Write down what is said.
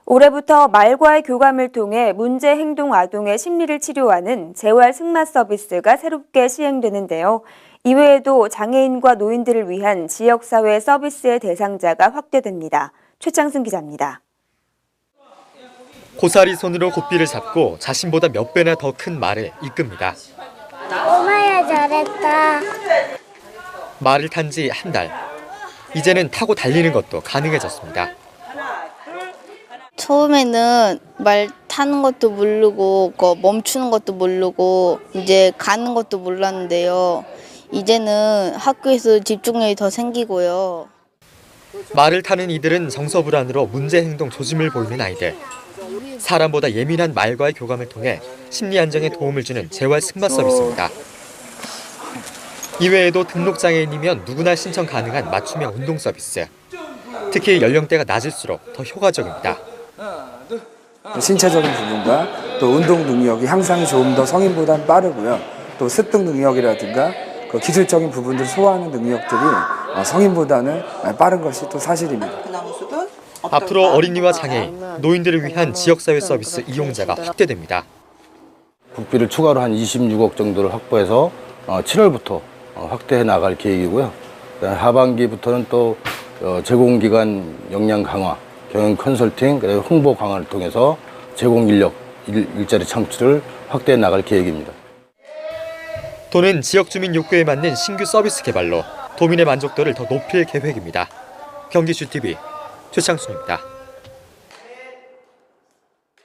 올해부터 말과의 교감을 통해 문제 행동 아동의 심리를 치료하는 재활 승마 서비스가 새롭게 시행되는데요. 이외에도 장애인과 노인들을 위한 지역사회 서비스의 대상자가 확대됩니다. 최창승 기자입니다. 고사리 손으로 고삐를 잡고 자신보다 몇 배나 더 큰 말을 이끕니다. 엄마야 잘했다. 말을 탄 지 한 달. 이제는 타고 달리는 것도 가능해졌습니다. 처음에는 말 타는 것도 모르고 멈추는 것도 모르고 이제 가는 것도 몰랐는데요. 이제는 학교에서 집중력이 더 생기고요. 말을 타는 이들은 정서불안으로 문제 행동 조짐을 보이는 아이들. 사람보다 예민한 말과의 교감을 통해 심리 안정에 도움을 주는 재활 승마 서비스입니다. 이외에도 등록장애인이면 누구나 신청 가능한 맞춤형 운동 서비스. 특히 연령대가 낮을수록 더 효과적입니다. 신체적인 부분과 또 운동 능력이 향상이 조금 더 성인보다는 빠르고요. 또 습득 능력이라든가 그 기술적인 부분들을 소화하는 능력들이 성인보다는 빠른 것이 또 사실입니다. 앞으로 어린이와 장애인, 노인들을 위한 지역사회 서비스 이용자가 확대됩니다. 국비를 추가로 한 26억 정도를 확보해서 7월부터 확대해 나갈 계획이고요. 하반기부터는 또 제공기관 역량 강화, 경영 컨설팅, 그리고 홍보 강화를 통해서 제공 인력, 일자리 창출을 확대해 나갈 계획입니다. 도는 지역 주민 욕구에 맞는 신규 서비스 개발로 도민의 만족도를 더 높일 계획입니다. 경기주TV 최창순입니다.